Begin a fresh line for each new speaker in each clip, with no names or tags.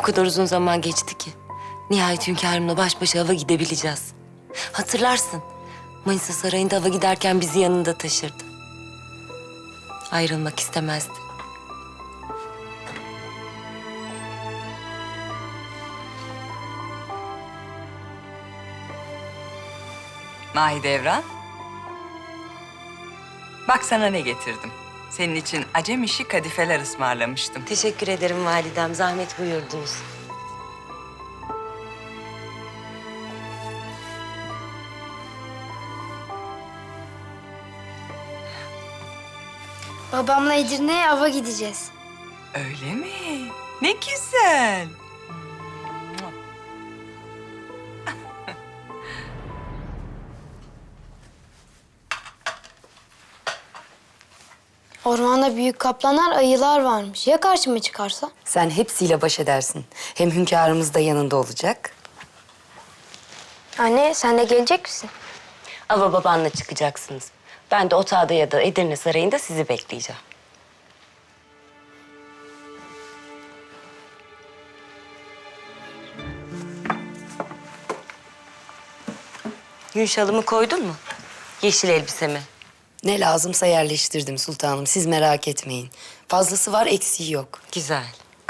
kadar uzun zaman geçti ki. Nihayet hünkârımla baş başa hava gidebileceğiz. Hatırlarsın, Manisa Sarayı'nda hava giderken bizi yanında taşırdı. Ayrılmak istemezdi.
Mahidevran. Bak sana ne getirdim. Senin için acem işi kadifeler ısmarlamıştım.
Teşekkür ederim validem, zahmet buyurdunuz.
Babamla Edirne'ye ava gideceğiz.
Öyle mi? Ne güzel.
Ormanda büyük kaplanlar, ayılar varmış. Ya karşıma çıkarsa?
Sen hepsiyle baş edersin. Hem hünkârımız da yanında olacak.
Anne sen de gelecek misin?
Ava babanla çıkacaksınız. Ben de otağda ya da Edirne Sarayı'nda sizi bekleyeceğim. Yün şalımı koydun mu? Yeşil elbisemi.
Ne lazımsa yerleştirdim sultanım. Siz merak etmeyin. Fazlası var, eksiği yok.
Güzel.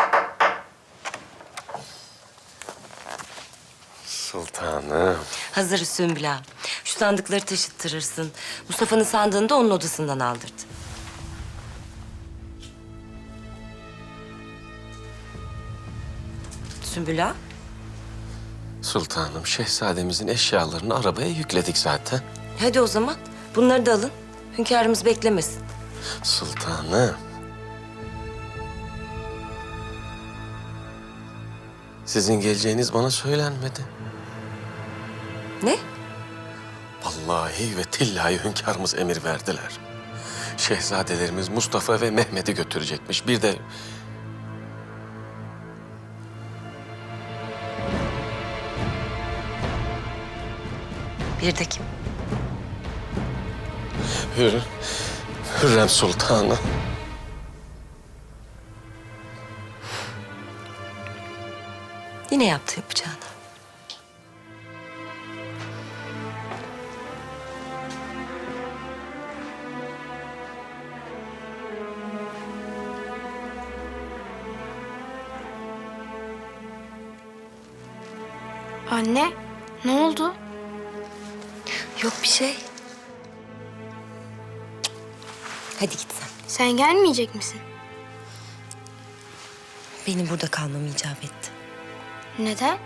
Sultanım.
Hazır Sümbül ağa. Şu sandıkları taşıttırırsın. Mustafa'nın sandığını da onun odasından aldırdı. Sümbül ağa.
Sultanım, şehzademizin eşyalarını arabaya yükledik zaten.
Hadi o zaman bunları da alın. Hünkârımız beklemesin.
Sultanım. Sizin geleceğiniz bana söylenmedi.
Ne?
Vallahi ve tillahi hünkârımız emir verdiler. Şehzadelerimiz Mustafa ve Mehmet'i götürecekmiş. Bir de
Bir de kim?
Hürrem Sultanı.
Yine yaptı yapacağını.
Anne ne oldu?
Yok bir şey. Hadi git sen.
Sen gelmeyecek misin?
Benim burada kalmam icap etti.
Neden?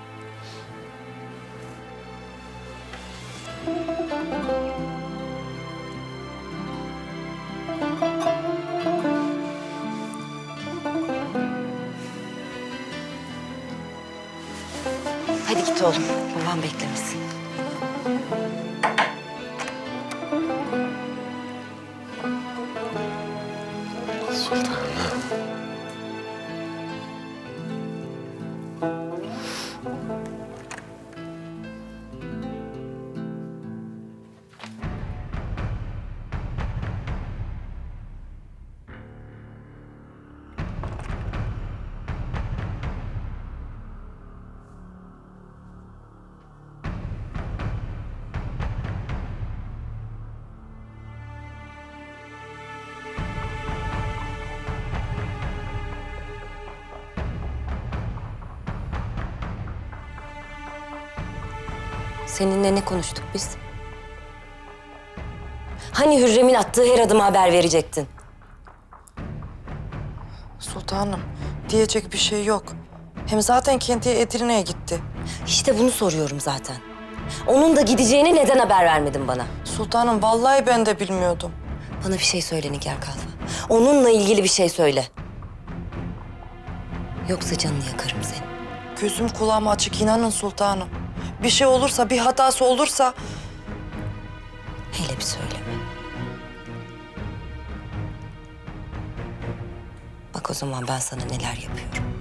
Hadi git oğlum. Babam beklemesin.
Sultanım.
Seninle ne konuştuk biz? Hani Hürrem'in attığı her adıma haber verecektin?
Sultanım, diyecek bir şey yok. Hem zaten kendiye Edirne'ye gitti.
İşte bunu soruyorum zaten. Onun da gideceğini neden haber vermedin bana?
Sultanım, vallahi ben de bilmiyordum.
Bana bir şey söyle Nigar Kalfa. Onunla ilgili bir şey söyle. Yoksa canını yakarım senin.
Gözüm kulağım açık, inanın sultanım. Bir şey olursa, bir hatası olursa...
Hele bir söyleme. Bak o zaman ben sana neler yapıyorum.